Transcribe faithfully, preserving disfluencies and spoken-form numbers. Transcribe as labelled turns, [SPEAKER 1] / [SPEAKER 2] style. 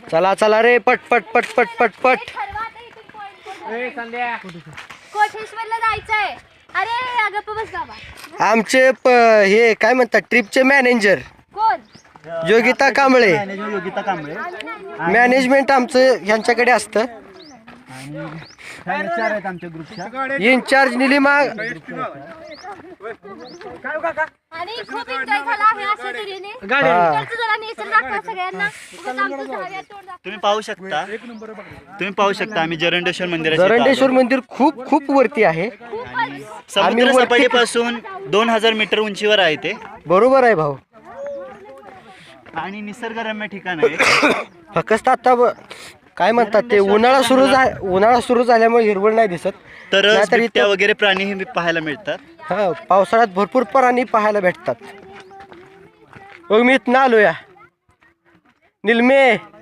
[SPEAKER 1] चला चला रे पट पट पट पट पट पट.
[SPEAKER 2] कोठेश्वरला जायचंय. अरे अगं बस बाबा.
[SPEAKER 1] आमचे प हे काय म्हणतात ट्रिपचे मॅनेजर
[SPEAKER 2] कोण?
[SPEAKER 1] योगिता कांबळे.
[SPEAKER 3] योगिता कांबळे
[SPEAKER 1] मॅनेजमेंट आमचं ह्यांच्याकडे असतं.
[SPEAKER 3] आणि चार आहेत आमच्या ग्रुपच्या.
[SPEAKER 1] इन्चार्ज निलिमा.
[SPEAKER 2] आणि खूप एन्जॉय झाला आहे अशा तऱ्हेने.
[SPEAKER 1] हा.
[SPEAKER 2] इकडचं जरा नेचर दाखवा सगळ्यांना. उगाच आमचं सहाव्या तोंड दाखवा.
[SPEAKER 3] तुम्ही पाहू शकता तुम्ही पाहू शकता आम्ही जरंडेश्वर मंदिराच्या इथं
[SPEAKER 1] जरंडेश्वर मंदिर खूप खूप वरती आहे.
[SPEAKER 2] खूपच.
[SPEAKER 3] आलो. समुद्र
[SPEAKER 1] वरती-
[SPEAKER 3] सपाटीपासून दोन हजार मीटर उंचीवर आहे ते
[SPEAKER 1] बरोबर आहे भाऊ.
[SPEAKER 3] आणि निसर्गरम्य ठिकाण आहे.
[SPEAKER 1] फक्त आता ब- काय म्हणतात ते उन्हाळा सुरू झा उन्हाळा सुरू झाल्यामुळे हिरवळ नाही दिसत.
[SPEAKER 3] तर
[SPEAKER 1] नाहीतर
[SPEAKER 3] बिबट्या
[SPEAKER 1] इथं-
[SPEAKER 3] वगैरे प्राणीही पाहायला मिळतात.
[SPEAKER 1] हा पावसाळ्यात भरपूर प्राणी पाहायला भेटतात. मग मी इथनं आलो या निलमे.